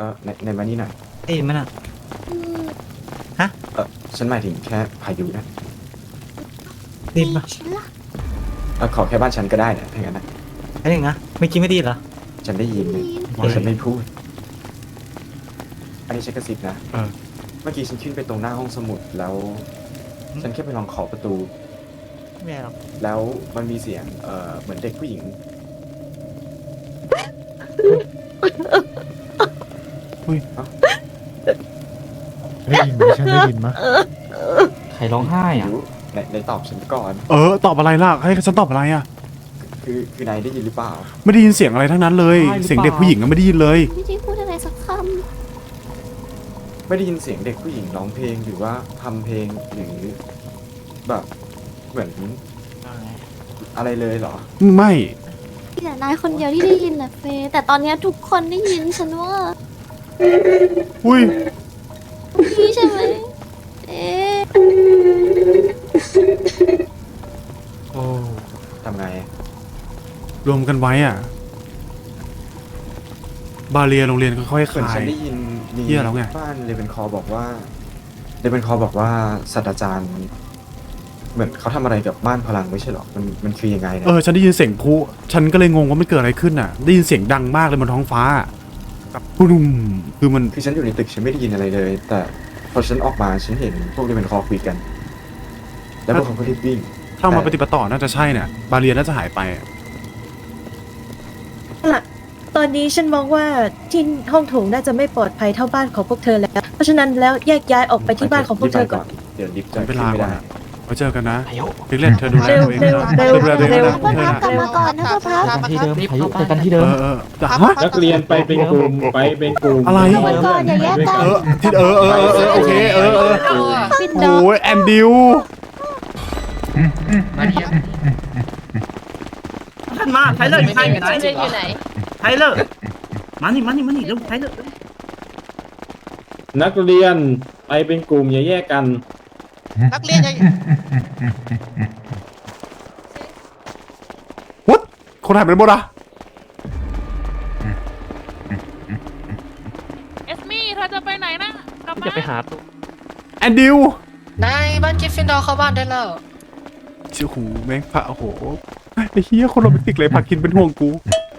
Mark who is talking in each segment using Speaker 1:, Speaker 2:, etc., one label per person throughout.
Speaker 1: ในมานี่หน่อย
Speaker 2: ได้ยินไหมน่ะฮะ
Speaker 1: ฉันหมายถึงแค่พายุนะ
Speaker 2: ได้ยินปะ
Speaker 3: ฉันล่ะ
Speaker 1: ขอแค่บ้านฉันก็ได้นะถ้างั้นนะ
Speaker 2: ไอ้หนึ่งนะไม่กินไม่ดีเหรอ
Speaker 1: ฉันได้ยินเลยแต่ฉันไม่พูด อันนี้ฉันกระซิบนะเมื่อกี้ฉันขึ้นไปตรงหน้าห้องสมุดแล้ว ฉันแค่ไปลองเคาะประตู
Speaker 2: ไม่หรอก
Speaker 1: แล้วมันมีเสียงเหมือนเด็กผู้หญิง
Speaker 4: ได้ยินไหมฉันได้ยินไหม
Speaker 5: ใครร้องไห้อ่ะ
Speaker 1: ในตอบฉันก่อน
Speaker 4: ตอบอะไรล่ะให้ฉันตอบอะไรอ่ะ
Speaker 1: คือนายได้ยินหรือเปล่า
Speaker 4: ไม่ได้ยินเสียงอะไรทั้งนั้นเลย
Speaker 5: ใช่หรือเปล่า
Speaker 4: เสียงเด็กผู้หญิงก็ไม่ได้ยินเลย
Speaker 3: ไม่ได้พูดอะไรสักค
Speaker 1: ไม่ได้ยินเสียงเด็กผู้หญิงร้องเพลงหรือว่าทำเพลงหรือแบบเหมือนอะไรเลยเหรอ
Speaker 4: ไม่
Speaker 3: ำมีแต่นายคนเดียวที่ได้ยินแหละเฟย์แต่ตอนเนี้ยทุกคนได้ยินฉันว่า
Speaker 4: อุ้ย
Speaker 3: พี่ใช่ไหมเอ๊ะ
Speaker 4: โอ้
Speaker 1: ทำไง
Speaker 4: รวมกันไว้อ่ะ บาเรียโรงเรียนค่อยๆ
Speaker 1: เหมือน
Speaker 4: คลา
Speaker 1: ฉั
Speaker 4: ย
Speaker 1: นได้ยินมี
Speaker 4: เหี้ยแล้วไง
Speaker 1: บ้านเลเวนคอบอกว่าศาสตราจารย์ เหมือนเขาทำอะไรกับบ้านพลังไม่ใช่หรอมันคือยังไงนะ
Speaker 4: ฉันได้ยินเสียงพลุฉันก็เลยงงว่ามันเกิดอะไรขึ้นอ่ะ ได้ยินเสียงดังมากเลยบนท้องฟ้ากับปุ้มคือมัน
Speaker 1: คือฉันอยู่ในตึกฉันไม่ได้ยินอะไรเลย แต่พอฉันออกมาฉันเห็นพวกเลเวนคอคุยกัน แล้วพวกเขาก็รีบวิ่ง
Speaker 4: ถ้ามาปฏิบัติต่อน่าจะใช่เนี่ยบาเรียน่าจะหายไปอะ
Speaker 6: ตอนนี้ฉันมองว่าที่ห้องโถงน่าจะไม่ปลอดภัยเท่าบ้านของพวกเธอแล้ว เพราะฉะนั้นแล้วแยกย้ายออกไปที่บ้านของพวกเธอก่อน
Speaker 1: เดี๋ยวลิฟต์จะ
Speaker 4: ใช้เว
Speaker 1: ขึ้น
Speaker 4: ลา
Speaker 1: ไม่
Speaker 4: ก่อน
Speaker 1: ได้
Speaker 4: อะไว้เจอกันนะพิกเล่นเธอดูแลตัวเองนะ
Speaker 6: เร็ว
Speaker 4: ดูแลตัวเอง
Speaker 6: เร็ว
Speaker 4: นะ
Speaker 3: พวกเรากลับมาก่อนนะพวกเรา
Speaker 5: ที่เดิมพายุเจอกันที่เดิม
Speaker 4: แต่ฮะ
Speaker 7: นักเรียนไปเป็นกลุ่มไปเป็นกลุ่ม
Speaker 4: อะไร
Speaker 3: กลับมาก่อนอย่าแยกกัน
Speaker 4: ที่โอเค
Speaker 3: ปิด
Speaker 4: โอ้
Speaker 3: ดอก
Speaker 4: ยแอนดิว
Speaker 2: ท่านมาไทเลอร์อยู่ไหนไทเลอร์อยู่ไหนไทเลอร์มานี่เร็วไทเลอร์
Speaker 7: นักเรียนไปเป็นกลุ่มอย่าแยกกัน
Speaker 8: นักเรียนยัง
Speaker 4: วัดคนหายไปไหนหมดอะ
Speaker 9: เอสมี่เธอจะไปไหนนะกลับมา
Speaker 5: จะไปหา
Speaker 4: แอนดิวน
Speaker 8: ายบ้านกิฟฟินดอร์เข้าบ้านได้แล้ว
Speaker 4: ชื่อหูแม่งพระโอ้โหไอ้เฮียคนโรแมนติกเลยพากินเป็นห่วงกู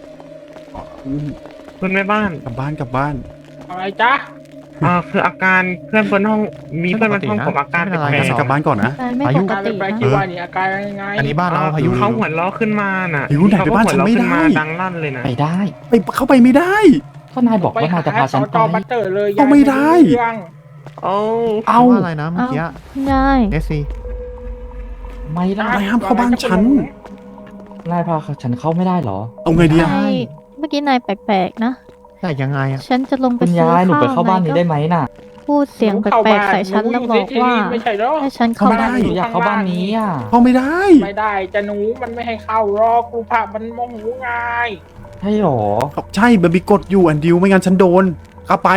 Speaker 10: เพื่อนแม่บ้าน
Speaker 4: กลับบ้าน
Speaker 10: อะไรจ๊ะคืออาการเพื่อนบนห้องมีเพื่อนบนห้องผมอาการแปล
Speaker 4: งั้นฉันกลับบ้านก่อนนะ
Speaker 3: ไม่ปกตินะ
Speaker 10: คิดว่านี่อาการยังไงอันนี้บ้านเราพายุเขาหัวล้อขึ้นมาน่ะ
Speaker 4: พายุไหนไปบ้านฉันไม่ได้
Speaker 10: เขาก็หัวเราะขึ้นมาดังลั่นเลยนะ
Speaker 5: ไปได้
Speaker 4: ไปเข้าไปไม่ได้
Speaker 5: ก็นายบอกว่านายจะพาฉันไป
Speaker 4: เอาไม่ได้
Speaker 10: เอา
Speaker 4: เอา
Speaker 2: อะไรนะเมื่อกี้
Speaker 3: ได้
Speaker 2: เอสซี
Speaker 5: ไม่ได้
Speaker 4: นายห้ามเข้าบ้านฉัน
Speaker 5: นายพาฉันเข้าไม่ได้เหรอ
Speaker 4: เอาไงดีอะ
Speaker 3: ใช่เมื่อกี้นายแปลกๆนะ
Speaker 2: แต่ยังไงอ่ะ
Speaker 3: ฉันจะลงไป
Speaker 5: คุณ
Speaker 3: ซื้อย
Speaker 5: ายหนูไปเข้าบ้าน
Speaker 3: ย
Speaker 5: นี้ได้ไหมน่ะ
Speaker 3: พูดเสียงแปลกๆใส่ฉันแล้วบอกว่าให้ฉันเข้าบ้าน
Speaker 5: หนูอยากเข้าบ้านนี้อ่ะ
Speaker 4: เข้าไม่ได้
Speaker 10: ไม่ได้จะหนูมันไม่ให้เข้ารอกครูพามันโมโหง่าย
Speaker 5: ใช่หรอ
Speaker 4: ใช่มันมีกฎอยู่แอนดิวไม่งั้นฉันโดนเข้าไป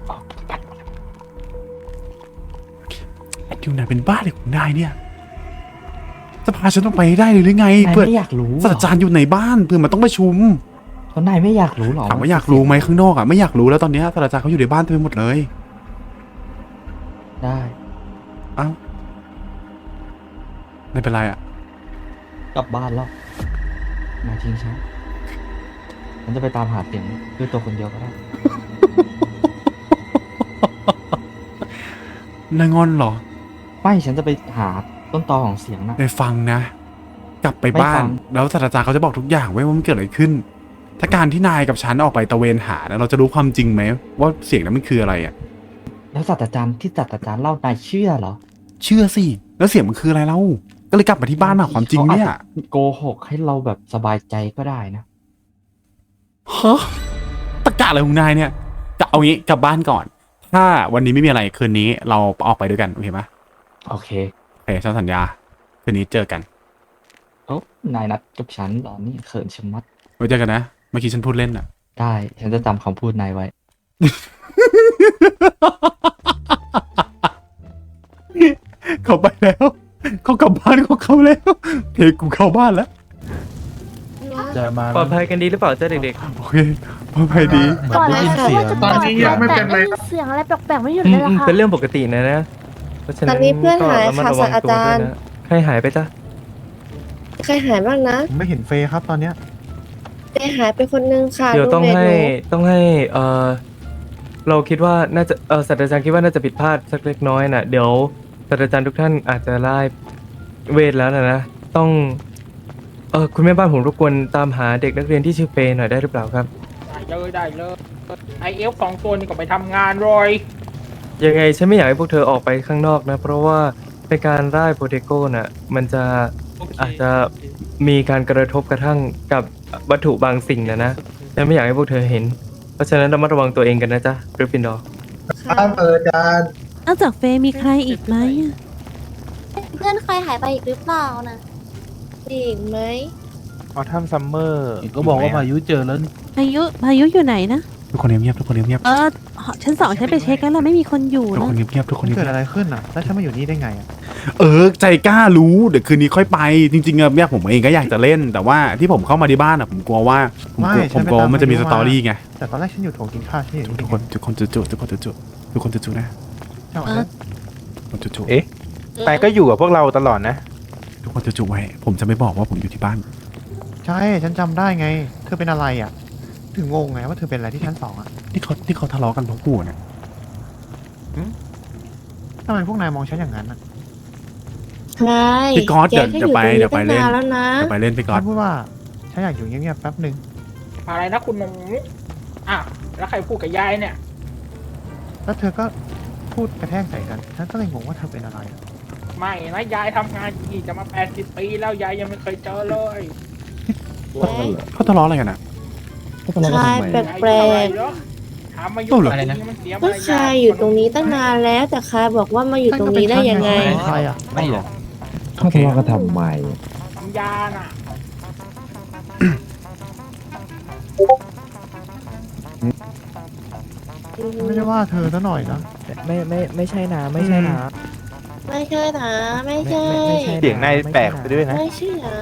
Speaker 4: แอนดิวนายเป็นบ้าเลยของนายเนี่ยจะพาฉันต้องไปให้ได้เลยหรือไง
Speaker 5: นาย
Speaker 4: เพื่อ
Speaker 5: ไม่อยากรู้เหร
Speaker 4: ศาสตราจารย์อยู่ในบ้านเพื่อมันต้องประชุม
Speaker 5: แล้วนายไม่อยากรู้หรอ
Speaker 4: ถามว่าอยากรู้ไหมข้างนอกอะไม่อยากรู้แล้วตอนเนี้ยศาสตราจารย์เขาอยู่ในบ้านเต็มไปหมดเลย
Speaker 5: ได้
Speaker 4: เอ้าไม่เป็นไรอะ
Speaker 5: กลับบ้านแล้วนายทิ้งฉันจะไปตามหาเสียงด้วยตัวคนเดียวก็ได้
Speaker 4: นายงอนเหรอ
Speaker 5: ไม่ฉันจะไปหาต้นตอของเสียงนะ
Speaker 4: ไปฟังนะ กลับไปบ้า
Speaker 5: ไม่ฟั
Speaker 4: น
Speaker 5: ง
Speaker 4: แล้วศาสตราจารย์เขาจะบอกทุกอย่างไว้ว่ามันเกิดอะไรขึ้น ถ้าการที่นายกับฉันออกไปตระเวนหานะเราจะรู้ความจริงไหมว่าเสียงนั้นมันคืออะไรอะ
Speaker 5: แล้วศาสตราจารย์ที่ศาสตราจารย์เล่านายเชื่อเหรอ
Speaker 4: เชื่อสิแล้วเสียงมันคืออะไรเล่าก็เลยกลับมาที่บ้านมาความจริงเนี่ย
Speaker 5: ขาอาจจะโกหกให้เราแบบสบายใจก็ได้นะ
Speaker 4: ฮะตะกะอะไรของนายเนี่ยจะเอางี้กลับบ้านก่อน ถ้าวันนี้ไม่มีอะไรคืนนี้เราออกไปด้วยกันโอเคไหม
Speaker 5: โอเค
Speaker 4: โอเคฉันสัญญาคืนนี้เจอกัน
Speaker 5: โอ้นายนัดกับฉันเหรอนี่เขินชะมัด
Speaker 4: ไว้เจอกันนะเมื่อกี้ฉันพูดเล่นอะ
Speaker 5: ได้ ฉันจะจำคำพูดนายไว้
Speaker 4: เขาไปแล้วเขากลับบ้านของเขาแล้วเทกูเข้าบ้านแล้ว
Speaker 3: นะ
Speaker 10: จะมา
Speaker 5: ปลอดภัยกันดีหรือเปล่าเจ้าเด็ก
Speaker 4: โอเคปลอดภัยดี
Speaker 3: ก่อนเลยค่ะว่าจะ
Speaker 10: ตอนนี้ยังไม่เป็นไร
Speaker 3: ได้ยินเสียงอะไรแปลกๆไม่หยุด
Speaker 5: ๆ
Speaker 3: เลยล่ะค่ะ
Speaker 5: เป็นเรื่องปกตินะเพราะฉะนั้น
Speaker 6: ตอนนี้เพื่อนหาย
Speaker 5: ก็ระมัด
Speaker 6: ค่ะ
Speaker 5: ระวัง
Speaker 6: ศาสตรา
Speaker 5: ตัว
Speaker 6: จารย์
Speaker 5: ด้วยนะใครหายไปจ้ะ
Speaker 6: ใครหายบ้างนะ
Speaker 1: ผมไม่เห็นเฟย์ครับตอนเนี้ย
Speaker 6: เฟย์หายไปคนนึงค่ะ
Speaker 5: เดี๋ยวต้อง
Speaker 6: รูมเมท
Speaker 5: ให้
Speaker 6: หนู
Speaker 5: ต้องให้เราคิดว่าน่าจะศาสตราจารย์คิดว่าน่าจะผิดพลาดสักเล็กน้อยน่ะเดี๋ยวศาสตราจารย์ทุกท่านอาจจะไล่เวทแล้วนะต้องคุณแม่บ้านผมรบกวนตามหาเด็กนักเรียนที่ชื่อเฟย์หน่อยได้หรือเปล่าครับ
Speaker 10: ได้เลยไอเอฟ2 ตัวนี่ก็ไปทำงานเลย
Speaker 5: ยังไงฉันไม่อยากให้พวกเธอออกไปข้างนอกนะ เพราะว่าในการไล่โปรเทโก้น่ะมันจะอาจจะมีการกระทบกระทั่งกับวัตถุบางสิ่งนะฉันไม่อยากให้พวกเธอเห็น เพราะฉะนั้นระมัดระวังตัวเองกันนะจ๊ะกริฟฟินดอร์
Speaker 3: นอกจากเฟย์มีใครอีกไหมเพื่อนใครหายไปอีกหรือเปล่านะ
Speaker 6: อีกไหม
Speaker 10: ออทัมซัมเมอร์ก็บอกว่าพายุเจอแล้ว
Speaker 3: พายุอยู่ไหนนะ
Speaker 4: ทุกคนเงียบๆทุกคนเงียบ
Speaker 3: ชั้น 2ฉันไปเช็คแล้วล่ะไม่มีคนอยู่
Speaker 4: ๆทุก
Speaker 3: นะ
Speaker 4: คนเงียบๆทุกคนเงียบ
Speaker 1: เกิดอะไรขึ้นอ่ะ แล้วฉันมาอยู่นี่ได้ไงอ่ะ
Speaker 4: ใจกล้ารู้เดี๋ยวคืนนี้ค่อยไปจริงๆอะเนี่ยผมเองก็อยากจะเล่น แต่ว่าที่ผมเข้ามาที่บ้านอะผมกลัวว่าผมกลัวมันจะมีสตอรี่ไง
Speaker 1: แต่ตอนแรกฉันอยู่โถงกินข้าวฉันอยู่นี่
Speaker 4: ทุกคนจุๆนะ
Speaker 1: ใช่ไหม
Speaker 4: ทุกคนจุๆ
Speaker 10: เอ๊ะ แต่ก็อยู่กับพวกเราตลอดนะ
Speaker 4: ทุกคนจุๆไว้ผมจะไม่บอกว่าผมอยู่ที่บ้าน
Speaker 1: ใช่ ฉันจำได้ไง เธอเป็นอะไรอ่ะ ถึงงงไงว่าเธอเป็นอะไรที่ชั้น 2อ่ะ
Speaker 4: ที่เขาทะเลาะกันเพราะกูเนี่ย
Speaker 1: ทำไมพวกนายมองฉันอย่างนั้นอ่ะ
Speaker 6: ใช่
Speaker 4: พี่ก๊อตเดี๋ยวไปเล่น
Speaker 6: ตั้งนานแล้วนะ
Speaker 4: เดี๋ยวไปเล่นไปก่อน
Speaker 1: ฉันพูดว่าฉันอยากอยู่เงียบๆแป๊บหนึ่ง
Speaker 10: อะไรนะคุณหนูอ่ะแล้วใครพูดกับยายเนี่ย
Speaker 1: แล้วเธอก็พูดกระแทกใส่กัน ฉันก็เลยงงว่าเธอเป็นอะไรอะ
Speaker 10: ไม่นะยายทำงานกี่จะมา80 ปีแล้วยายยังไม่เคยเจอเลย
Speaker 4: เขาทะเลาะอะไรกันอะ
Speaker 6: ชายแปลก
Speaker 10: ถามมายุ
Speaker 4: เหรอ
Speaker 10: อะไรนะมันเสีย
Speaker 6: ๆ
Speaker 10: มา
Speaker 6: ก็ชายอยู่ตรงนี้ตั้งนานแล้ว แต่ชายบอกว่ามาอยู่ตรงนี้ได้ยังไง
Speaker 1: ใครอ่ะ
Speaker 10: ไม่หรอก
Speaker 4: เขาทะเลาะกันทำไม
Speaker 10: ทำยาน่ะ
Speaker 1: ไม่ได้ว่าเธอซะหน่อยนะ
Speaker 5: ไม่ใช่นะไม่ใช่นะ
Speaker 6: ไม่ใช่นะไม่ใช่
Speaker 10: เสียงนายแปลกไปด้วยนะ
Speaker 6: ไม่ใช่นะ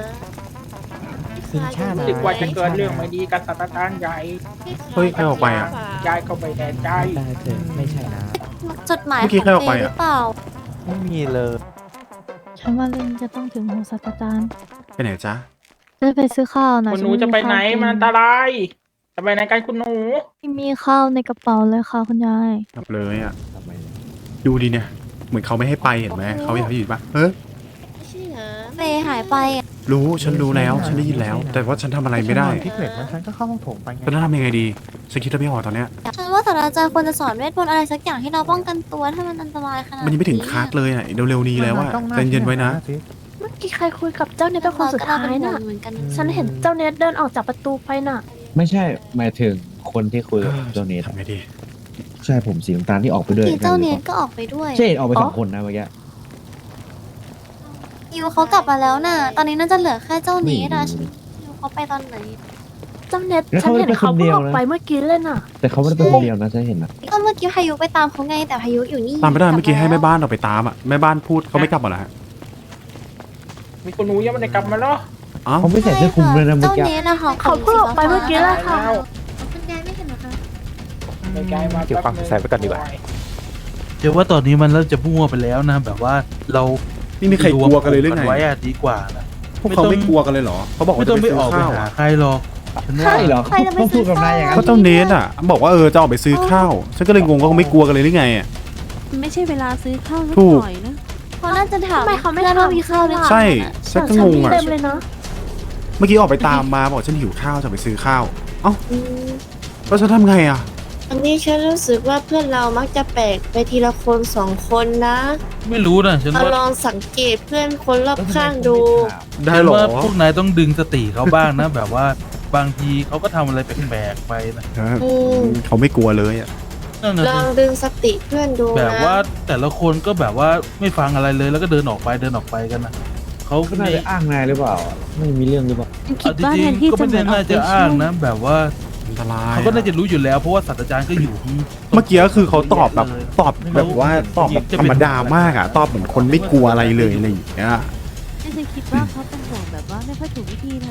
Speaker 10: รู้สึกว่าจะเกิดเรื่องไม่ดีกับศาสตราจารย์ใหญ่
Speaker 4: เฮ้ยใครออกไปอะ
Speaker 10: ยายก็ไปแน่ใจ
Speaker 5: ไม่ใช่นะ
Speaker 3: จดหมาย
Speaker 4: เมื่
Speaker 3: ข
Speaker 4: อกี้
Speaker 3: อง
Speaker 4: ใครออก
Speaker 3: เฟ
Speaker 4: ไป
Speaker 3: ย์ห
Speaker 4: อะ
Speaker 3: รือเปล่า
Speaker 10: ไม่มีเลย
Speaker 3: ฉันว่าเรื่องจะต้องถึงหูศาสตราจารย์
Speaker 4: ไปไหนจ๊ะ
Speaker 3: จะไปซื้อข้าวนะ
Speaker 10: คุณหนูจะไปไหนมันอันตราย จะไปไหนกันคุณหนู
Speaker 3: ไม่มีข้าวในกระเป๋าเลยค่ะคุณยาย
Speaker 4: กลับเลยอะดูดีเนี่ย เหมือนเขาไม่ให้ไปเห็นไหมเขาอยากให้อยู่ปะเฮ้ย
Speaker 6: ไม่ใช่นะ
Speaker 3: เฟย์หายไปอะ
Speaker 4: ฉันรู้แล้วฉันได้ยินแล้ว แต่ว่าฉันทำอะไรไม่ได้
Speaker 1: ที่เกล็ดมันฉันก็เข้าห้องโถงไปไง
Speaker 4: ฉันทำยังไงดีฉันคิดไม่ออกตอนเนี้ย
Speaker 3: ฉันว่าศาสตราจารย์ควรจะสอนเวทมนต์อะไรสักอย่างให้เราป้องกันตัวถ้ามันอันตรายขนาด
Speaker 4: มันยังไม่ถึงคัสเลยอะเร็วๆนี้แล้วอะ
Speaker 1: ต้องหา
Speaker 4: ใจเย็นไว้นะ
Speaker 1: สิ
Speaker 6: เมื่อกี้ใครคุยกับเจ้าเนทเป็นคนสุดท้ายน่ะ
Speaker 3: เหมือนกัน
Speaker 6: ฉันเห็นเจ้าเนทเดินออกจากประตูไปน่ะ
Speaker 11: ไม่ใช่หมายถึงคนที่คุยกับเจ้าเนท
Speaker 4: ทำไงดี
Speaker 11: ใช่ผมสีน้ำตาลที่ออกไปด้วย
Speaker 3: ที่เจ้าเนทก็ออกไปด้วย
Speaker 11: ใช่ออกไปสองคนนะเมื่อกี้
Speaker 3: ยูเขากลับมาแล้วน่ะ ตอนนี้น่าจะเหลือแค่เจ้าเนทอะ
Speaker 11: ไม่รู้
Speaker 3: ยูเขาไปตอนไหน
Speaker 6: เจ้าเนท
Speaker 11: แล้ว
Speaker 6: ฉัน
Speaker 11: เขา
Speaker 6: เห็น
Speaker 11: เป็น
Speaker 6: เขา
Speaker 11: คนเดี
Speaker 6: เพิ่ง
Speaker 11: ยว
Speaker 6: ออก
Speaker 11: นะ
Speaker 6: ไปเมื่อกี้เลยน่ะ
Speaker 11: แต่เขาไม่ได้เป็นคนเดียวนะฉันเห็นนะ
Speaker 3: ก็เมื่อกี้พายุไปตามเขาไงแต่พายุอยู่นี่
Speaker 4: ตามไม่ได้เมื่อกี้ให้แม่บ้านออกไปตามอะแม่บ้านพูดเขาไม่กลับมาเหรอฮะ
Speaker 10: มีคุณหนูยังไม่ได้กลับมาเหรอ
Speaker 4: อ้าว
Speaker 11: เขาไม่ใส่เสื้อคลุมเลยนะเมื่อ
Speaker 3: เจ้า
Speaker 11: กี้
Speaker 3: เนทอะค่ะ
Speaker 6: เขาเพิ่งออกไปเมื่อกี้เลยค่ะ
Speaker 10: แล้ว
Speaker 3: คุณยายไม่เห็นเหรอคะ
Speaker 10: ไม่ไกลมาเก็บความใส่ไปก่อนดีกว่า
Speaker 12: เดี๋ยวว่าตอนนี้มันเริ่มจะมั่วไปแล้วนะ แบบว่าเรา
Speaker 4: นี่มีใครกลัวกันเลยหรือไง
Speaker 12: ไว้อะดีกว่านะ
Speaker 4: พวกเขาไม่กลัวกันเลยเหรอเขาบอก
Speaker 12: ไม่
Speaker 4: ว่า
Speaker 12: ต้
Speaker 4: จะ
Speaker 12: อง
Speaker 4: ไป
Speaker 12: ไป
Speaker 4: ซื้
Speaker 12: อ
Speaker 4: อ
Speaker 12: อกไป
Speaker 4: ข้าว
Speaker 12: หา
Speaker 4: อะ
Speaker 12: ใครหรอกฉันว่า
Speaker 11: ใช่เหรอ
Speaker 3: ใครจะไป
Speaker 11: เขาพูดกับนายอย่างนั้น
Speaker 4: ก็เจ้าเนทอะบอกว่าจะออกไปซื้อข้าวฉันก็เลยงงว่าเขาไม่กลัวกันเลยหรือไงอะ
Speaker 3: ไม่ใช่เวลาซื้อข้าว
Speaker 4: ถูก
Speaker 3: หน่อยนะเขาน่าจะถาม
Speaker 6: ทำไมเขาไม่
Speaker 3: พื่อน
Speaker 6: ทำ
Speaker 3: ว่ามีข้าวหรือเปล่า
Speaker 4: ใช่ฉันก็งงอะ
Speaker 6: เต็มเลยเนาะ
Speaker 4: เมื่อกี้ออกไปตามมาบอกฉันหิวข้าวจะไปซื้อข้าวเอ้า
Speaker 6: อืม
Speaker 4: แล้วฉันทำไงอะ
Speaker 6: อันนี้ฉันรู้สึกว่าเพื่อนเรามักจะแปลกไปทีละคนสองคนนะ
Speaker 12: ไม่รู้นะฉัน
Speaker 6: เรา
Speaker 12: ว่า
Speaker 6: ลองสังเกตเพื่อนคนรอบข้างดู
Speaker 4: ได้เหรอ
Speaker 12: ว่าพวกนายต้องดึงสติเขาบ้างนะ แบบว่าบางทีเขาก็ทำอะไรแปลกๆไปนะ
Speaker 6: อืม
Speaker 4: เขาไม่กลัวเลยอะ
Speaker 12: นั่นนะ
Speaker 6: ลอง
Speaker 12: สิ
Speaker 6: ดึงสติเพื่อนดู
Speaker 12: แบบ
Speaker 6: นะ
Speaker 12: ว่าแต่ละคนก็แบบว่าไม่ฟังอะไรเลยแล้วก็เดินออกไปกันนะเขา
Speaker 11: เขาน่าจะอ้างนายหรือเปล่า ไม่มีเรื่องหรือเปล่า
Speaker 3: คิดว่า
Speaker 12: จริ
Speaker 3: แท
Speaker 12: ง
Speaker 3: นที่
Speaker 12: ๆก็
Speaker 3: จะ
Speaker 12: ไม่
Speaker 3: เหมือนออก
Speaker 12: ได้น่า
Speaker 3: ไป
Speaker 12: จะ
Speaker 3: ช่
Speaker 12: อ้าง
Speaker 3: วย
Speaker 12: นะ แบบว่า
Speaker 4: อันตราย
Speaker 12: เขาก็น่าจะรู้อยู่แล้วเพราะว่าศาสตราจารย์ก็อยู่
Speaker 4: เมื่อกี้ก็คือเขาตอบแบบว่าตอบแบบธรรมดามากอะตอบเหมือนคนไม่กลัวอะไรเลยอะไรอย่างเงี้ย
Speaker 3: ฉันคิดว่าเขาเป็นห่วงแบบว่าไม่ค่อยถูกวิธีน่ะ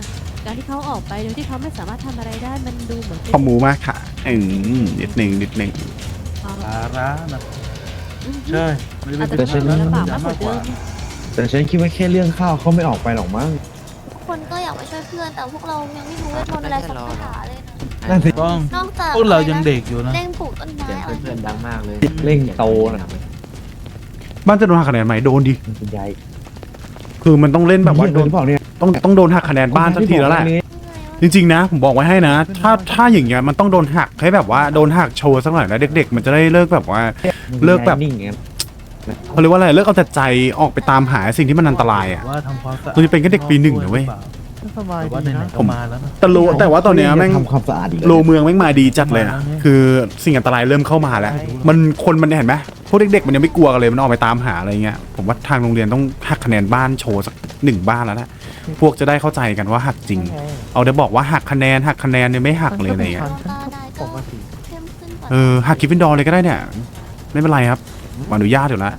Speaker 9: การที่เขาออกไปโดยที่เขาไม่สามารถทำอะไรได้มันดูเหมือนเป็น
Speaker 4: ขอหมูมากค่ะนิดหนึ่ง
Speaker 12: ภาระนะใช่ไม่ได้
Speaker 9: อาจจะ
Speaker 12: เป็น
Speaker 9: ทำให้ลำบากมากกว่าเดิม
Speaker 11: แต่ฉันคิดว่าแค่เรื่องข้าวเขาไม่ออกไปหรอกมั้ง
Speaker 3: ทุกคนก็อยากมาช่วยเพื่อน แต่พวกเรายังไม่รู้เวทมนต์อะไรสักคาถาเลยนะ
Speaker 11: นั่นสิ
Speaker 12: ต้อง
Speaker 3: นอกจาก
Speaker 12: พวกเรายังเด็กอยู่นะ
Speaker 3: เร่งปลูกต้นไม้อะไร
Speaker 11: เพื่อนดังมากเลยเร่งโตนะ
Speaker 4: บ้านจะโดนหักคะแนนไหมโดนดิ
Speaker 11: คุณยาย
Speaker 4: คือมันต้องเล่นแบบว่า
Speaker 11: โดนเปล่าเนี่ย
Speaker 4: ต้องโดนหักคะแนนบ้านสักทีแล้วแหละจริงๆนะผมบอกไว้ให้นะ ถ้าอย่างเงี้ยมันต้องโดนหักให้แบบว่าโดนหักโชว์สักหน่อยนะเด็กๆ มันจะได้เลิกแบบว่า เลิกแบบ
Speaker 11: นิ่งไง
Speaker 4: เขาเรียกว่าอะไรเลิกเอาแต่ใจออกไปตามหาสิ่งที่มันอันตรายอ่ะ
Speaker 12: ว่าทำความสะอาด
Speaker 4: เราจะเป็นแค่เด็กปีหนึ่งนะเว้ย
Speaker 12: แต่ว่าไหนๆก็มาแล้วนะ
Speaker 4: แต่ว่าตอนเนี้ยแม่ง
Speaker 11: ทำความสะอาดอีก
Speaker 4: โลเมืองแม่งมาดีจัดเลยอะคือสิ่งอันตรายเริ่มเข้ามาแล้ว มันเห็นไหมพวกเด็กๆมันยังไม่กลัวกันเลยมันออกไปตามหาอะไรเงี้ยผมว่าทางโรงเรียนต้องหักคะแนนบ้านโชว์สัก1 บ้านแล้วนะพวกจะได้เข้าใจกันว่าหักจริง เอาได้บอกว่าหักคะแนนเนี่ยไม่หักเลยอะไรเงี้ย
Speaker 3: ตาได้ก็เข้มขึ้นกว่า
Speaker 4: หักกิฟฟินดอร์เลยก็ได้เนี่ยไม่เป็นไรครับอนุญาตอยู่แล้ว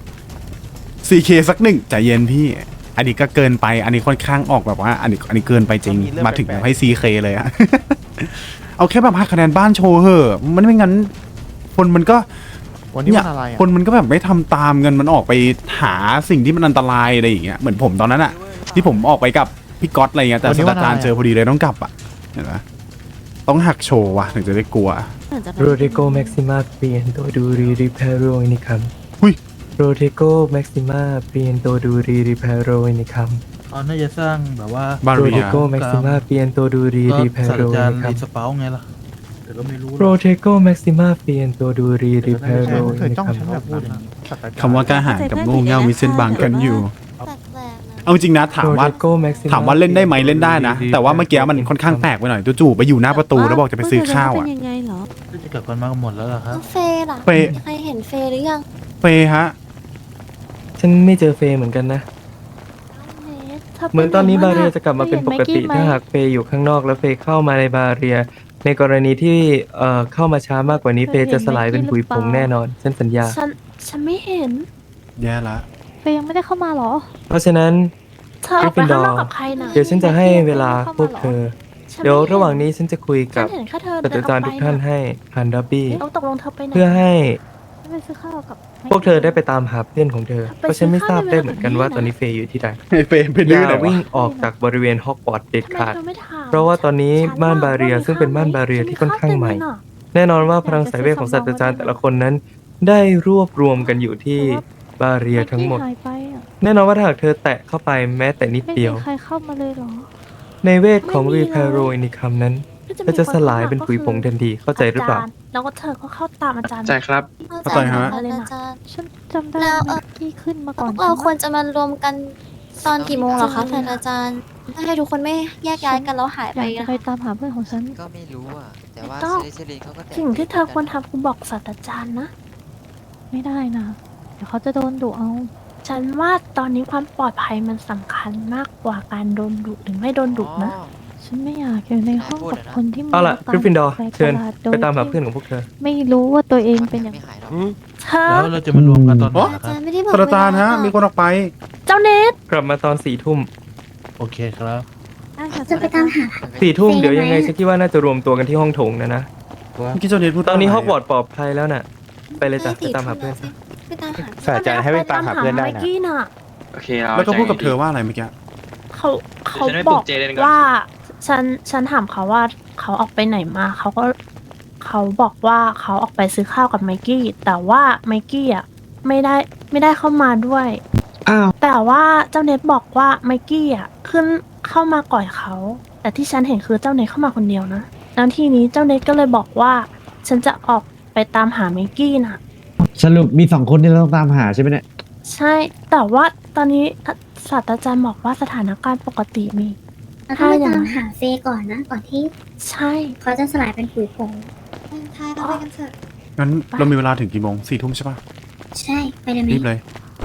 Speaker 4: 4K สักหนึ่งใจเย็นพี่ อันนี้ก็เกินไปอันนี้ค่อนข้างออกแบบว่าอันนี้เกินไปจริงมาถึงแบบให้ 4K เลยอะ เอาแค่แบบหักคะแนนบ้านโชว์เหอะมันไม่งั้นคนมันก็เนี่ยคนมันก็แบบไม่ทำตามเงินมันออกไปหาสิ่งที่มันอันตรายอะไรอย่างเงี้ยเหมือนผมตอนนั้นอะที่ผมออกไปกับพี่ก๊อตอะไรเงี้ยแต่ศาสตราจารย์เจอพอดีเลยต้องกลับอะเห็นไหมต้องหักโชว์ว่ะถึงจะได้กลัว
Speaker 5: โรเดโกแม็กซิมาเปลี่ยนตัวดูรีริเพโรนิคัม
Speaker 4: หุ้ย
Speaker 5: โรเดโกแม็กซิมาเปลี่ยนตัวดูรีริเพโรนิคัม
Speaker 12: เขาน่าจะสร้างแบบว่า
Speaker 4: บา
Speaker 5: โร
Speaker 4: เรี
Speaker 5: เด
Speaker 4: ย
Speaker 5: โกแม็กซิมาเปลี่ยนตัวดูรี
Speaker 12: ก็
Speaker 5: ริเพ
Speaker 12: ศาสต
Speaker 5: โร
Speaker 12: ราจาร
Speaker 5: นิ
Speaker 12: ย์
Speaker 5: คัม
Speaker 12: รีสเปาไงล่ะแต่ก็ไม่รู้หร
Speaker 5: โร
Speaker 12: อก
Speaker 5: เทโกแม็กซิมาเปลี่ยนตัวดูรีริเพโรนิคัม
Speaker 4: คำว่ากล้าหาญกับโง่เง่ามีเส้นบางกันอยู่
Speaker 3: แปลกๆนะ
Speaker 4: เอาจริงนะถามว่า
Speaker 5: โรเทโกแม็กซิ
Speaker 4: ถามว่าเล่นได้ไหมเล่นได้นะ แต่ว่าเมื่อกี้มันค่อนข้างแปลกไปหน่อยจู่ๆไปอยู่หน้าประตูแล้วบอกจะไปซื้อข้าว
Speaker 9: เป็
Speaker 4: อ่ะ
Speaker 9: นยังไงเหรอ
Speaker 12: จะกลับกันมากันหมดแล้วเหรอครับ
Speaker 3: แล้วเฟย์ล่ะ
Speaker 4: เฟย์
Speaker 3: ใครเห็นเฟย์หรือยัง
Speaker 4: เฟยฮะ
Speaker 5: ฉันไม่เจอเฟย์เหมือนกันนะ เหมือนตอนนี้บาเรียจะกลับมาเป็นปกติถ้าหากเฟย์อยู่ข้างนอกแล้วเฟย์เข้ามาในบาเรีย ในกรณีที่เข้ามาช้ามากกว่านี้เฟย์จะสลายเป็นผุยผงแน่นอนฉันสัญญา
Speaker 3: ฉันไม่เห็น
Speaker 4: แย่ละ
Speaker 9: เฟย์ยังไม่ได้เข้ามาเหรอ
Speaker 5: เพราะฉะนั้น
Speaker 3: เธอออกไปข้างนอกกับใครนะ
Speaker 5: เดี๋ยวฉันจะให้เวลาพวกเธอ เดี๋ยวระหว่างนี้ฉันจะคุย
Speaker 3: ฉั
Speaker 5: กับ
Speaker 3: นเห็นแค่เธอ
Speaker 5: ศาสตราจารย์ทุกท่านให้ผ่านดับบี้
Speaker 3: ต้องตกลงเธอไปไหน
Speaker 5: เพื่อให้
Speaker 9: ไปซื้อข้าวกับ
Speaker 5: พวกเธอได้ไปตามหาเพื่อนของเธอ เพราะฉันไม่ทราบได้เหมือนกันว่าตอนนี้เฟย์อยู่ที่ใด
Speaker 4: เฟยเป็น
Speaker 5: อ
Speaker 4: ดื้อย่
Speaker 5: า
Speaker 4: ไหน
Speaker 5: วิ่ง
Speaker 4: วะ
Speaker 5: ออกจากบริเวณฮอกวอตส์เด็ด
Speaker 3: ทำไม
Speaker 5: ขาด
Speaker 3: เธอไม่ถาม
Speaker 5: เพราะว่าตอนนี้
Speaker 3: ฉั
Speaker 5: ม่าน
Speaker 3: ว่
Speaker 5: บาเรีย
Speaker 3: ว่
Speaker 5: ซึ่งเป็นม่านบาเรียที่ค่อนข้างใหม่ แน่นอนว่าพลังสายเวทของศาสตราจารย์แต่ละคนนั้น ได้รวบรวมกันอยู่ที่บาเรียทั้งหมด
Speaker 9: หายไปอ่ะ
Speaker 5: แน่นอนว่าถ้าหากเธอแตะเข้าไปแม้แต่นิด
Speaker 9: ไม่
Speaker 5: เดี
Speaker 9: มี
Speaker 5: ยว
Speaker 9: ใครเข้ามาเลยเหรอ
Speaker 5: ในเวทของรีเพโรอินิคัมนั้นก็จะสลายเป็นผุยผงทันทีเข้าใจหรือเปล่า
Speaker 3: จย์แล้วก็เธอก็เข้าตามอาจารย์
Speaker 10: ใช่ครับ
Speaker 4: เข้าใจฮะ
Speaker 3: อาจารย์
Speaker 9: ฉันจำได้
Speaker 3: แล้ว
Speaker 9: เมื่อกี้ขึ้นมาก่อน
Speaker 3: พวกเราควรจะมารวมกันตอนกี่โมงเหรอคะท่านอาจารย์ให้ทุกคนไม่แยกย้ายกันแล้วหาย
Speaker 9: อ
Speaker 3: ไป
Speaker 9: ยากจะ
Speaker 3: นะ
Speaker 9: ไปตามหาเพื่อนของฉัน
Speaker 8: ก็ไม่รู้อ่ะ แต่ว่า
Speaker 3: ต้อง
Speaker 8: เซรีเขาก็
Speaker 3: สิ่งที่เธอควรทำคือบอกศาสตราจารย์นะ
Speaker 9: ไม่ได้นะ เดี๋ยวเขาจะโดนดุเอา
Speaker 3: ฉันว่าตอนนี้ความปลอดภัยมันสำคัญมากกว่าการโดนดุหรือไม่โดนดุนะ
Speaker 9: ฉันไม่อยากอยู่ในห้องกับคนที่มี
Speaker 5: เอาล่ะ
Speaker 9: อา
Speaker 5: กริฟฟินดอร์
Speaker 9: แปลก
Speaker 5: เชิญ
Speaker 9: ประหลดโดย
Speaker 5: ไปตามหา
Speaker 9: ที่
Speaker 5: เพื่อนของพวกเธอ
Speaker 9: ไม่รู้ว่าตัวเองเป็นอย่าง
Speaker 8: ไม่หายหรอก
Speaker 3: เธอ
Speaker 12: แล้วเราจะมารวมกันตอนไหน
Speaker 3: อา
Speaker 12: ครั
Speaker 3: จาร
Speaker 12: บ
Speaker 3: ย์ไม่ได้บอก
Speaker 4: ศาสตราจารย์ฮะ มีคนออกไป
Speaker 3: เจ้าเนท
Speaker 5: กลับมาตอน4 ทุ่ม
Speaker 12: โอเคครับ
Speaker 3: จะไปตามหา
Speaker 5: 4 ทุ่มเดี๋ยวยังไงฉันคิดว่าน่าจะรวมตัวกันที่ห้องโถงนะ
Speaker 4: เมื่อกี้เจ้าเนทพูด
Speaker 5: ตอนนี้
Speaker 4: ะ
Speaker 5: ฮ
Speaker 4: ไร
Speaker 5: อกวอตส์ปลอดภัยแล้วน่ะ ไปเลยจ้ะไปตามหาเพื่อนซะ
Speaker 3: ไปตามหา
Speaker 10: ศาสตราจารย์ให้ไปตามหาเพื่อนได้นะ
Speaker 3: ไมกี้น่ะ
Speaker 10: โอเคเรา
Speaker 4: แล้วก็พูดกับเธอว่าอะไรเมื่อกี้
Speaker 3: เขาบอกว่าฉันถามเขาว่าเขาออกไปไหนมาเขาบอกว่าเขาออกไปซื้อข้าวกับไมกี้แต่ว่าไมกี้อ่ะไม่ได้เข้ามาด้วย
Speaker 11: อ้าว
Speaker 3: แต่ว่าเจ้าเน็ตบอกว่าไมกี้อ่ะขึ้นเข้ามาก่อนเขา แต่ที่ฉันเห็นคือเจ้าเน็ตเข้ามาคนเดียวนะแล้วทีนี้เจ้าเน็ตก็เลยบอกว่าฉันจะออกไปตามหาไมกี้น่ะ
Speaker 11: สรุปมี2 คนที่เราต้องตามหาใช่ไหมเนี่ย
Speaker 3: ใช่แต่ว่าตอนนี้ศาสตราจารย์บอกว่าสถานการณ์ปกติมี
Speaker 13: ถ้าไปตามหาเฟย์ก่อนนะ ก่อนที่
Speaker 3: ใช่
Speaker 13: เขาจะสลายเป็นผุยผง
Speaker 3: ทายเราไปกันเถอะ
Speaker 4: งั้นเรามีเวลาถึงกี่โมง 4 ทุ่มใช่ปะ
Speaker 13: ใช่ไปเลยไหม
Speaker 4: รีบเลย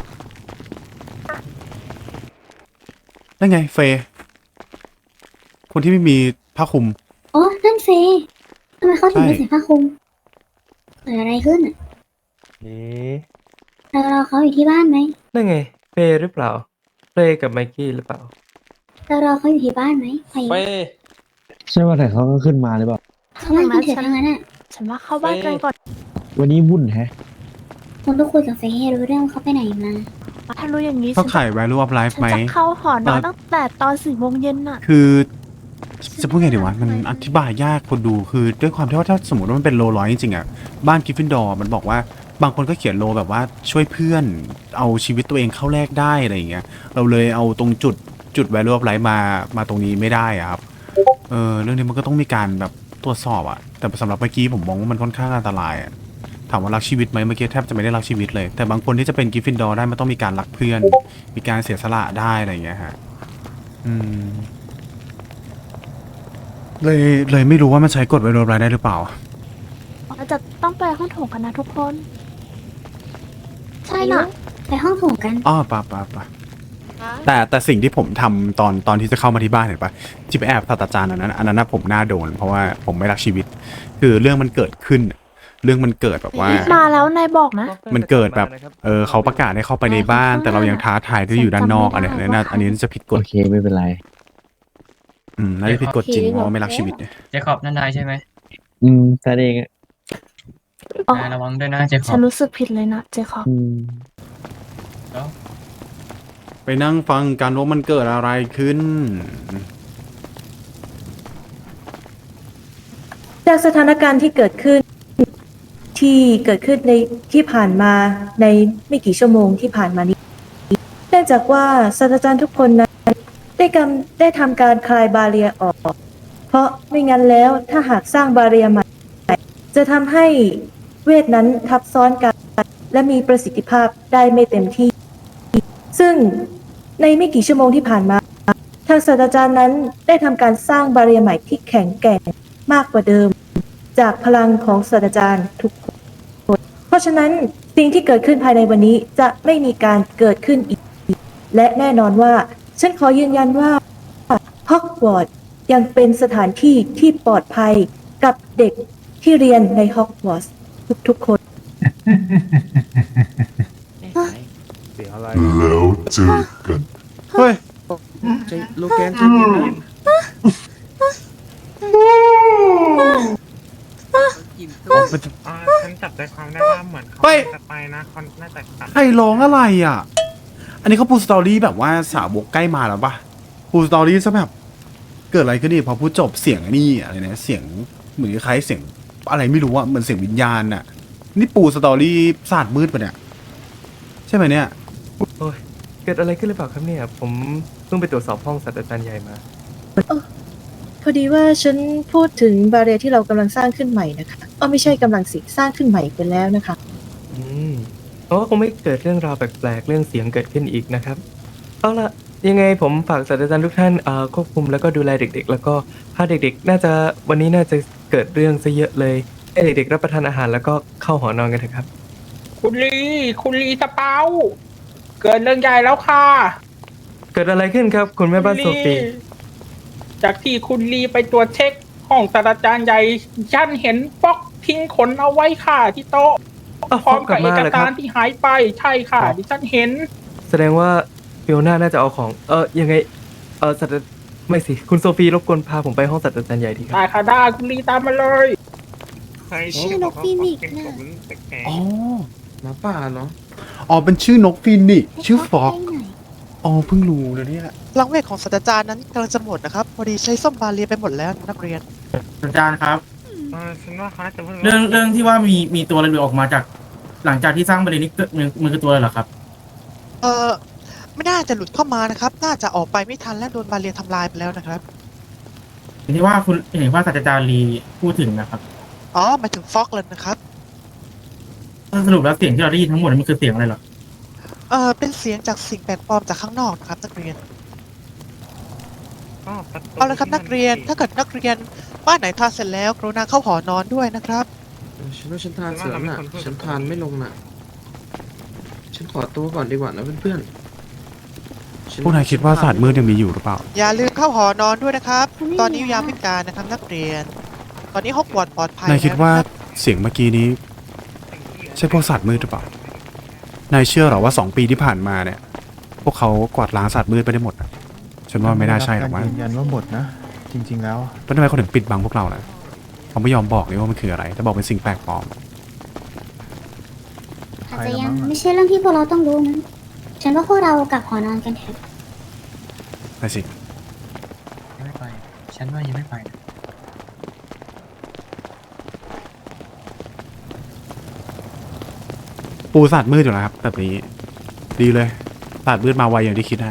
Speaker 4: ได้ไงเฟย์คนที่ไม่มีผ้าคลุม
Speaker 13: โอ้นั่นเฟย์ทำไมเขาถึงไม่
Speaker 4: ใช่
Speaker 13: ใส่ผ้าคลุมเกิดอะไรขึ้นอ่ะเราเขาอยู่ที่บ้านไหม
Speaker 5: นั่นไงเฟย์หรือเปล่าเฟย์กับไมกี้หรือเปล่า
Speaker 13: เรารอเขาอยู่ที่บ้านไหมไป
Speaker 11: ใช่ว่าแต่เขาก็ขึ้นมาหรือเปล่า
Speaker 13: เขาไม่กินเถื่อนทั้งนั้นอ่ะ
Speaker 3: ฉันว่าเข้าบ้านกันก่อน
Speaker 11: วันนี้วุ่นแฮะ
Speaker 13: คุณต้องคุยกับเฟย์ให้รู้เรื่องว่าเขาไปไหนมา
Speaker 3: ถ้ารู้อย่างนี้
Speaker 4: เขา
Speaker 3: ฉัน
Speaker 4: ขาย value of life
Speaker 3: ฉัน
Speaker 4: ไหม
Speaker 3: จะเข้าหอนอนตั้งแต่ตอน4 โมงเย็นน่ะ
Speaker 4: คือจะพูดไงดีวะมันอธิบายยากคนดูคือด้วยความที่ว่าถ้าสมมติว่ามันเป็นโลร้อยจริงๆอ่ะบ้านกริฟฟินดอร์มันบอกว่าบางคนก็เขียนโลแบบว่าช่วยเพื่อนเอาชีวิตตัวเองเข้าแลกได้อะไรอย่างเงี้ยเราเลยเอาตรงจุด value of life มาตรงนี้ไม่ได้อะครับเรื่องนี้มันก็ต้องมีการแบบตรวจสอบอะแต่สำหรับเมื่อกี้ผมมองว่ามันค่อนข้างอันตรายอะถามว่ารักชีวิตไหมเมื่อกี้แทบจะไม่ได้รักชีวิตเลยแต่บางคนที่จะเป็นกริฟฟินดอร์ได้มันต้องมีการรักเพื่อน มีการเสียสละได้อะไรอย่างเงี้ยฮะเลยไม่รู้ว่ามันใช้กฎไวโรบไลได้หรือเปล่า
Speaker 3: เราจะต้องไปห้องโถงกันนะทุกคน
Speaker 13: ใช่น่ะ ไปห้องโถงกัน
Speaker 4: อ้อป่ะแต่สิ่งที่ผมทำตอนที่จะเข้ามาที่บ้านเห็นปะที่ไปแอบศาสตราจารย์อันนั้นนะผมน่าโดนเพราะว่าผมไม่รักชีวิต คือเรื่องมันเกิดขึ้น เรื่องมันเกิดแบบว่า
Speaker 3: มาแล้วนายบอกนะ
Speaker 4: มันเกิดแบบเขาประกาศให้เข้าไปในบ้าน แต่เรายังท้าทายที่อยู่ด้านนอกอันนี้จะผิดกฎ
Speaker 11: โอเคไม่เป็นไร
Speaker 4: น่าจะผิดกฎจริงเพราะว่าไม่รักชีวิตเนี่ย
Speaker 5: เจคอบนั่นนายใช่ไหม
Speaker 11: แต่เองอะ
Speaker 3: อ๋อ
Speaker 5: นายระวังด้วยนะเจคอ
Speaker 3: ฉั
Speaker 5: บ
Speaker 3: นรู้สึกผิดเลยนะเจคอบ
Speaker 4: ไปนั่งฟังกันว่ามันเกิดอะไรขึ้น
Speaker 6: จากสถานการณ์ที่เกิดขึ้นในที่ผ่านมาในไม่กี่ชั่วโมงที่ผ่านมานี้เนื่องจากว่าศาสตราจารย์ทุกคนนั้นได้ทำการคลายบาเรียออก เพราะไม่งั้นแล้วถ้าหากสร้างบาเรียใหม่จะทำให้เวทนั้นทับซ้อนกันและมีประสิทธิภาพได้ไม่เต็มที่ ซึ่งในไม่กี่ชั่วโมงที่ผ่านมาทางศาสตราจารย์นั้นได้ทำการสร้างบาเรียใหม่ที่แข็งแกร่งมากกว่าเดิมจากพลังของศาสตราจารย์ทุกคนเพราะฉะนั้นสิ่งที่เกิดขึ้นภายในวันนี้จะไม่มีการเกิดขึ้นอีกและแน่นอนว่าฉันขอยืนยันว่าฮอกวอตส์ยังเป็นสถานที่ที่ปลอดภัยกับเด็กที่เรียนในฮอกวอตส์ทุกๆคน
Speaker 12: เสียงอะไร
Speaker 14: แล้วเจอกัน
Speaker 4: เฮ้ย
Speaker 12: โลแกนใช่ไหม
Speaker 10: ฉันจับใจความได้ว่าเหมือนเขาจะไปนะเขาน่าจะกลับ
Speaker 4: ใครร้องอะไรอ่ะ อันนี้เขาพูดสตอรี่แบบว่าสาวกใกล้มาแล้วปะพูดสตอรี่ซะแบบเกิดอะไรขึ้นนี่พอพูดจบเสียงนี่อะไรเนี่ยเสียงเหมือนคล้ายเสียงอะไรไม่รู้อะเหมือนเสียงวิญญาณอะนี่ปูสตอรี่ศาสตร์มืดปะเนี่ยใช่ไหมเนี่ย
Speaker 5: โอ้ยเกิดอะไรขึ้นหรือเปล่าครับเนี่ยผมเพิ่งไปตรวจสอบห้องศาสตราจารย์ใหญ่มา
Speaker 6: พอดีว่าฉันพูดถึงบาเรียที่เรากำลังสร้างขึ้นใหม่นะคะไม่ใช่กำลังสร้างขึ้นใหม่ไปแล้วนะคะ
Speaker 5: เพราะว่าคงไม่เกิดเรื่องราวแปลกๆเรื่องเสียงเกิดขึ้นอีกนะครับเอาละยังไงผมฝากศาสตราจารย์ทุกท่านควบคุมแล้วก็ดูแลเด็กๆ แล้วก็พาเด็กๆวันนี้น่าจะเกิดเรื่องซะเยอะเลยให้เด็กๆรับประทานอาหารแล้วก็เข้าหอนอนกันเถอะครับ
Speaker 10: คุณลีสเปาเกิดเรื่องใหญ่แล้วค่ะ
Speaker 5: เกิดอะไรขึ้นครับคุณแม่บ้านโซฟี
Speaker 10: จากที่คุณลีไปตรวจเช็คห้องศาสตราจารย์ใหญ่ฉันเห็นฟอกทิ้งขนเอาไว้ค่ะที่โต๊ะพร้อมกับเอกสารที่หายไปใช่ค่ะดิฉันเห็น
Speaker 5: แสดงว่าฟิโอน่าน่าจะเอาของยังไงศาสตราไม่สิคุณโซฟีรบกวนพาผมไปห้องศาสตราจารย์ใหญ่ทีครับ
Speaker 10: ได้ค่ะได้คุณลีตามมาเลย
Speaker 13: ชื่อนกฟีนิกซ์นะ
Speaker 4: อ๋อหมาป่าเหรออ๋อเป็นชื่อนกฟีนิกซ์ชื่อฟอกอ๋อเพิ่งรู้นะเนี่ย
Speaker 8: พลังเวทของศาสตราจารย์นั้นกำลังจะหมดนะครับพอดีใช้ส้มบาเรียไปหมดแล้วนักเรียน
Speaker 10: อาจารย์ครับ
Speaker 11: ฉันว่าเขาน่าจะเพิ่ง
Speaker 10: เรื่องที่ว่ามีตัวอะไรหลุดออกมาจากหลังจากที่สร้างบาเรียนี้มันคือตัวอะไรเหรอครับไม่น่าจะหลุดเข้ามานะครับน่าจะออกไปไม่ทันและโดนบาเรียทำลายไปแล้วนะครับที่ว่าคุณเห็นว่าศาสตราจารย์ลีพูดถึงนะครับอ๋อหมายถึงฟอกเลยนะครับสรุปแล้วเสียงที่เราได้ยินทั้งหมดมันคือเสียงอะไรหรอเป็นเสียงจากสิ่งแปลกปลอมจากข้างนอกนะครับนักเรียนเอาละครับนักเรียนถ้าเกิดนักเรียนบ้านไหนทานเสร็จแล้วกรุณาเข้าหอนอนด้วยนะครับฉันว่าฉันทานเสร็จแล้วน่ะฉันทานไม่ลงน่ะฉันขอตัวก่อนดีกว่านะเพื่อน
Speaker 4: พวกนายคิดว่าศาสตร์มืดยังมีอยู่หรือเปล่า
Speaker 8: อย่าลืมเข้าหอนอนด้วยนะครับ ตอนนี้ยามวิกาลนะครับนักเรียน ตอนนี้ฮอกวอตส์ปลอดภัย
Speaker 4: นายคิดว่า
Speaker 8: แล้วรับ
Speaker 4: เสียงเมื่อกี้นี้ใช่พวกศาสตร์มืดหรือเปล่านายเชื่อหรอว่า2 ปีที่ผ่านมาเนี่ยพวกเขากวาดล้างศาสตร์มืดไปได้หมดอะใช่ฉันว่าไม่น่าใช่หรอกมั้ง
Speaker 14: ยืนยันว่าหมดนะ จริง ๆ แล้ว
Speaker 4: แล้วทำไมเขาถึงปิดบังพวกเราล่ะเขาไม่ยอมบอกเลยว่ามันคืออะไรแต่บอกเป็นสิ่งแปลกปลอม
Speaker 13: อาจจะยังไม่ใช่เรื่องที่พวกเราต้องรู้นะฉันว่าพวกเรากลับหอนอนกันเถอะ
Speaker 4: นั่นสิ
Speaker 11: ยังไม่ไป ฉันว่ายังไม่ไป
Speaker 4: ปูศาสตร์มืดอยู่แล้วครับแบบนี้ดีเลยศาสตร์มืดมาไวอย่างที่คิดนะ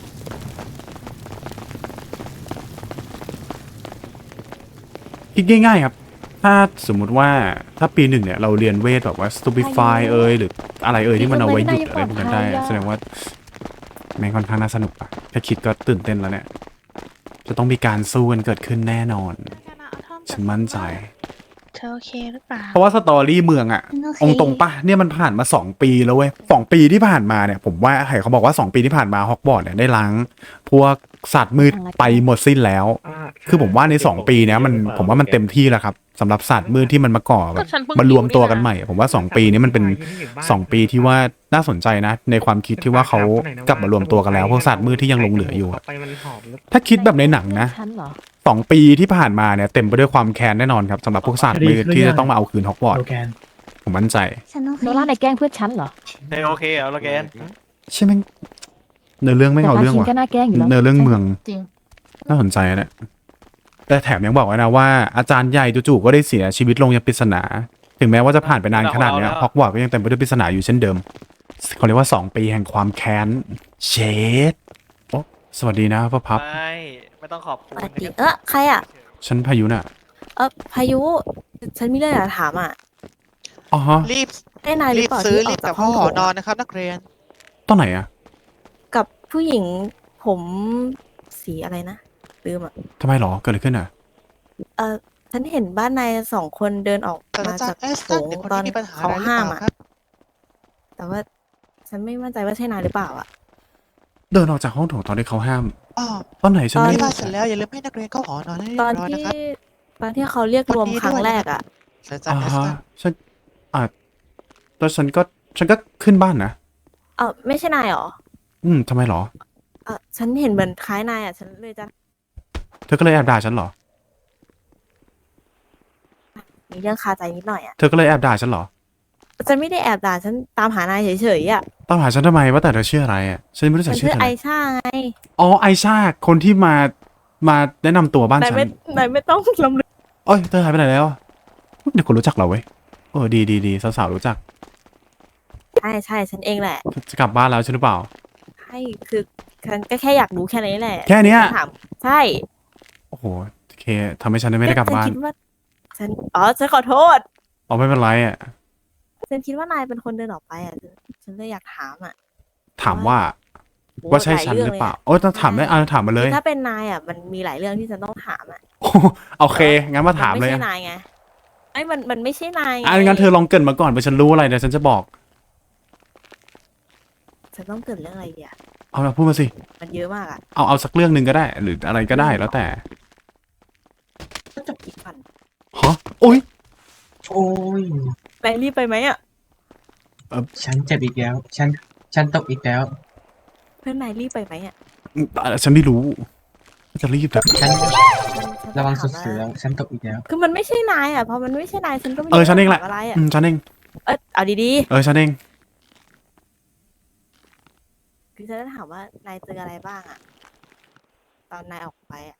Speaker 4: คิดง่ายๆครับถ้าสมมุติว่าถ้าปีหนึ่งเนี่ยเราเรียนเวทแบบว่า stupefy หรืออะไรที่มันเอาไว้หยุดอะไรพวกนั้นได้แสดงว่าแม่งค่อนข้างน่าสนุกอะแค่คิดก็ตื่นเต้นแล้วเนี่ยจะต้องมีการสู้กันเกิดขึ้นแน่นอนฉันมั่นใจ
Speaker 3: เธอโอเคหรือเปล่า
Speaker 4: เพราะว่าสตอรี่เมืองอะองตรงปะเนี่ยมันผ่านมา2 ปีแล้วเว้ย2 ปีที่ผ่านมาเนี่ยผมว่าใครเขาบอกว่า2 ปีที่ผ่านมาฮอกวอตส์เนี่ยได้ล้างพวกสัตว์มืดไปหมดสิ้นแล้ว คือผมว่าใน2 ปีเนี้ยมันผมว่ามันเต็มที่แล้วครับสำหรับสัตว์มืดที่มันมาก่อแบบมารวมตัวกันใหม่ผมว่า2 ปีนี้มันเป็น2 ปีที่ว่าน่าสนใจนะในความคิดที่ว่าเขากลับมารวมตัวกันแล้วพวกสัตว์มืดที่ยังหลงเหลืออยู่อะถ้าคิดแบบในหนังนะ2 ปีที่ผ่านมาเนี่ยเต็มไปด้วยความแค้นแน่นอนครับสำหรับพวกสัตว์มืดที่จะต้องมาเอาคืนฮอกวอตส์ผมมั่นใจ
Speaker 9: โนล่าในแกล้งเพื่อนฉันเหรอ
Speaker 8: โอเคเหรอโลแกน
Speaker 4: ใช่ไหมเนื้อเรื่องไม่เอาเรื่องว่ะ
Speaker 9: ก็น่าแกล้งอยู่แล้ว
Speaker 4: เนื้อเรื่องเมือง
Speaker 9: จริง
Speaker 4: น่าสนใจนะแต่แถมยังบอกไว้นะว่าอาจารย์ใหญ่จู่ๆก็ได้เสียชีวิตลงอย่างปริศนา ถึงแม้ว่าจะผ่านไปนานขนาดเนี้ยฮอกวอตส์ก็ยังเต็มไปด้วยปริศนาอยู่เช่นเดิมเขาเรียกว่า2 ปีแห่งความแค้นเชดโอ้สวัสดีนะพ่อพับ
Speaker 8: ไม่ต้องขอบคุณ
Speaker 6: ใครอ่ะ
Speaker 4: ฉันพายุน่ะ
Speaker 6: พายุ ฉันมีเรื่องอยากถามอ่ะ
Speaker 4: อ๋อฮะ
Speaker 8: รีบ
Speaker 6: ได้นายหรือเปล่าที่ออกจากห้อง
Speaker 8: หอนอนนะครับนักเรียน
Speaker 4: ตอนไหนอะ
Speaker 6: กับผู้หญิงผมสีอะไรนะลืมอ่ะ
Speaker 4: ทำไมหรอเกิดอะไรขึ้นอะ
Speaker 6: ฉันเห็นบ้านนาย2 คนเดินออกมาจากโถงตอนเขาห้ามอ่ะ แต่ว่าฉันไม่มั่นใจว่าใช่นายหรือเปล่าอ่ะ
Speaker 4: เดินออกจากห้องโถงตอนที่เขาห้าม
Speaker 8: อ๋อ
Speaker 4: ตอนไหนฉันไม่
Speaker 8: ที่
Speaker 4: ได้
Speaker 8: บ้านเสร็จแล้วอย่าลืมให้นักเรียนเข้าหอนอนให้เรีย
Speaker 6: ตอบ น
Speaker 8: ร้อย
Speaker 6: ที่
Speaker 8: นะครับ
Speaker 6: ตอนที่เขาเรียกรวมครั้งแรกอ่ะ
Speaker 4: อ่าฮะฉันแล้วฉันก็ขึ้นบ้านนะ
Speaker 6: ไม่ใช่นายหรอ
Speaker 4: ทำไมหรอ
Speaker 6: ฉันเห็นเหมือนคล้ายนายอ่ะ ฉันเลยจะ
Speaker 4: เธอก็เลยแอบด่าฉันเหรอ
Speaker 6: มีเรื่องคาใจนิดหน่อยอ่ะ
Speaker 4: เธอก็เลยแอบด่าฉันเหรอ
Speaker 6: ฉันไม่ได้แอบด่าฉันตามหานายเฉยๆอ่ะ
Speaker 4: ตามหาฉันทำไมว่าแต่เธอชื่ออะไรอ่ะฉันไม่รู้จั
Speaker 6: ฉั
Speaker 4: ก
Speaker 6: น
Speaker 4: ชื่
Speaker 6: ชื่
Speaker 4: อ
Speaker 6: อ
Speaker 4: เธอ
Speaker 6: ไอ
Speaker 4: เลย
Speaker 6: ชาไง
Speaker 4: อ๋อไอชาคนที่มาแนะนำตัวบ้าน
Speaker 6: นาย
Speaker 4: ฉัน
Speaker 6: ไม่ต้องลำลึก
Speaker 4: เอ้ยเธอหายไปไหนแล้วเดี๋ยวคนรู้จักเราเว้ยดีสาวๆรู้จัก
Speaker 6: ใช่ฉันเองแหละ
Speaker 4: จะกลับบ้านแล้วใช่หรือเปล่า
Speaker 6: ใช่คือฉันก็แค่อยากรู้แค่นี้แหละ
Speaker 4: แค่เนี้ย
Speaker 6: ฉัถามใช่
Speaker 4: โอ้โหโอเคทำให้ฉันไม่ได้กลับบ้าน
Speaker 6: ฉัคิดว่าฉันขอโทษ
Speaker 4: อ๋อไม่เป็นไรอ่ะ
Speaker 6: ฉันคิดว่านายเป็นคนเดินออกไปอ่ะ ฉันเลยอยากถามอ่ะ
Speaker 4: ถามว่าใช่ฉันหรือเปล่าโอ้ต้องถามได้ถามมาเลย
Speaker 6: ถ้าเป็นนายอ่ะมันมีหลายเรื่องที่ฉันต้องถามอ่ะ
Speaker 4: โอเคงั้นมาถามเลย
Speaker 6: นไม่ใช่นายไงมันไม่ใช่นายไง
Speaker 4: งั้นเธอลองเกรินมาก่อนไปฉันรู้อะไรเดี๋ยวฉันจะบอก
Speaker 6: ฉันต้องเกิดเรื่องอะไรดีอ่ะ
Speaker 4: เอามาพูดมาสิ
Speaker 6: มันเยอะมากอ่ะ
Speaker 4: เอาสักเรื่องหนึ่งก็ได้ หรืออะไรก็ได้แล้วแต่
Speaker 6: ก็จบอีกฝัน
Speaker 4: ฮะโอ้ย
Speaker 11: โอ้ย
Speaker 6: นายรีบไปไหมอ่ะ
Speaker 11: ฉันเจ็บอีกแล้ว ฉันตกอีกแล้ว
Speaker 6: เพื่อนนายรีบไปไหมอ่ะ
Speaker 4: ฉันไม่รู้จะรีบแต่
Speaker 11: ฉันระวังสุดๆแล้ว ฉันตกอีกแล้ว
Speaker 6: คือมันไม่ใช่นายอ่ะพอมันไม่ใช่นายฉันก็ไม่
Speaker 4: ฉันเองแหละ
Speaker 6: อะไรอ่ะ
Speaker 4: ฉันเอง
Speaker 6: เอาดี
Speaker 4: ฉันเอง
Speaker 6: ๆคือฉันจะถามว่านายเจออะไรบ้างอ่ะตอนนายออกไปอ่ะ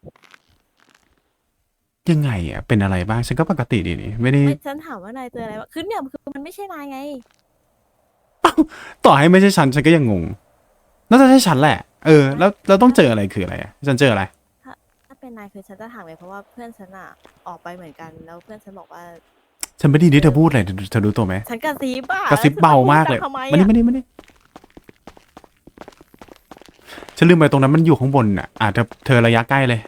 Speaker 4: ยังไงอ่ะเป็นอะไรบ้างฉันก็ปกติดีนี่ไม่ได้
Speaker 6: ฉันถามว่านายเจออะไรบ้างคือเนี่ยคือมันไม่ใช่นายไง
Speaker 4: ต่อให้ไม่ใช่ฉันก็ยังงงน่าจะใช่ฉันแหละแล้วเราต้องเจออะไรคืออะไรอ่ะฉันเจออะไร
Speaker 6: ถ้าเป็นนายคือฉันจะถามไงเพราะว่าเพื่อนฉันอ่ะออกไปเหมือนกันแล้วเพื่อนฉันบอกว่า
Speaker 4: ฉันไม่ได้ยินที่เธอพูดเลยเธอรู้ตัวไหม
Speaker 6: ฉันกระซิบอ่ะ
Speaker 4: กระซิบเบามากเลย
Speaker 6: ทำไม
Speaker 4: มานี่ฉันลืมไปตรงนั้นมันอยู่ข้างบนอ่ะเธอระยะใกล้เลย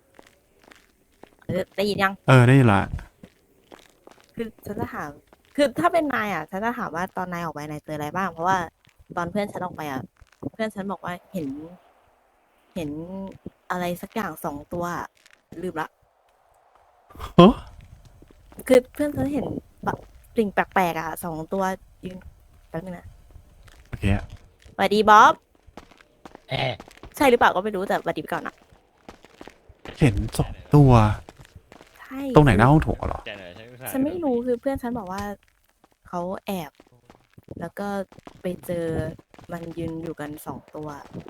Speaker 6: ได้ยินยัง
Speaker 4: ได้ยินละ
Speaker 6: คือฉันจะถามคือถ้าเป็นนายอ่ะฉันจะถามว่าตอนนายออกไปนายเจออะไรบ้างเพราะว่าตอนเพื่อนฉันออกไปอ่ะเพื่อนฉันบอกว่าเห็นอะไรสักอย่าง2 ตัวอะลืมละ
Speaker 4: ฮะ
Speaker 6: คือเพื่อนฉันเห็นแบบสิ่งแปลกๆอ่ะ2 ตัวยืนแป๊บนึงนะ
Speaker 4: โอเค
Speaker 6: สวัสดีบ๊อบ
Speaker 15: ใช่หรือเปล่าก็ไม่รู้แต่บัดดีไปก่อนนะ
Speaker 4: เห็น2 ตัว
Speaker 15: ใช่
Speaker 4: ตรงไหนหน้าห้องโถงเหรอ
Speaker 15: ฉันไม่รู้คือเพื่อนฉันบอกว่าเขาแอบ แล้วก็ไปเจอมันยืนอยู่กัน2 ตัว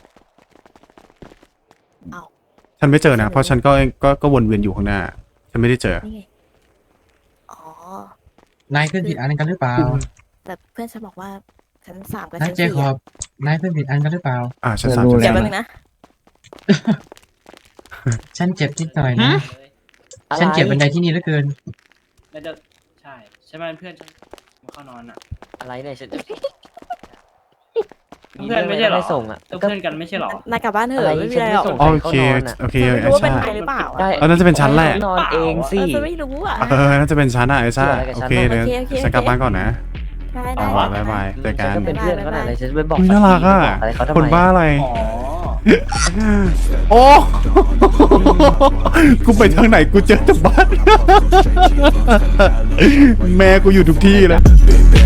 Speaker 15: เอา
Speaker 4: ฉันไม่เจอนะ เพราะฉันก็วนเวียนอยู่ข้างหน้า ฉันไม่ได้เจอ
Speaker 15: นี่ไงอ๋อ
Speaker 11: นายขึ้นผิดอันกันหรือเปล่า
Speaker 15: แต่เพื่อนฉันบอกว่าชั้น3กับ
Speaker 11: นาย
Speaker 15: ชั้น
Speaker 11: เจคอบ นายขึ้นผิดอันกันหรือเปล่า
Speaker 4: ชั้น3
Speaker 15: 4เดี๋ยวแป๊บนึงนะ
Speaker 11: ฉันเจ็บนิดหน่อยนะ ฉันเก็บบันไดที่นี่เหลือเกิน
Speaker 2: แล้วจะใช่ไหมเพื่อนฉันมาเข้านอนอ่ะ
Speaker 16: อะไรเนี่ยฉัน
Speaker 2: เพื่อนไม่ใช่หรอ
Speaker 16: ส่งอ่ะ
Speaker 2: เพื่อนกันไม่ใช่หรอ
Speaker 15: นายกลับบ้านเถอะไม่มีอะไรหรอก
Speaker 4: โอเค
Speaker 15: ไม่รู้ว่าเป็นใครหรือเปล่าอะ
Speaker 4: น่าจะเป็นชั้นแหละ
Speaker 16: นอนเองสิ
Speaker 15: ฉันไม่รู้อ่ะ
Speaker 4: น่าจะเป็นชั้นอะไอ้ซ่าโอเคเดี๋ยว
Speaker 15: โอเค
Speaker 4: ฉันกลับบ้านก่อนนะ
Speaker 15: ได้
Speaker 4: บ๊ายบายเจอกัน
Speaker 16: ก็เป็นเพื่อนเขาหน่อยเลยฉันไปบอก
Speaker 4: น่ารักอ่ะ
Speaker 16: อะไรเขาทำไม
Speaker 4: คนบ้าอะไร
Speaker 2: อ๋อ
Speaker 4: โอ้ กูไปทางไหนกูเจอแต่บ้าน แม่กูอยู่ทุกที่เลย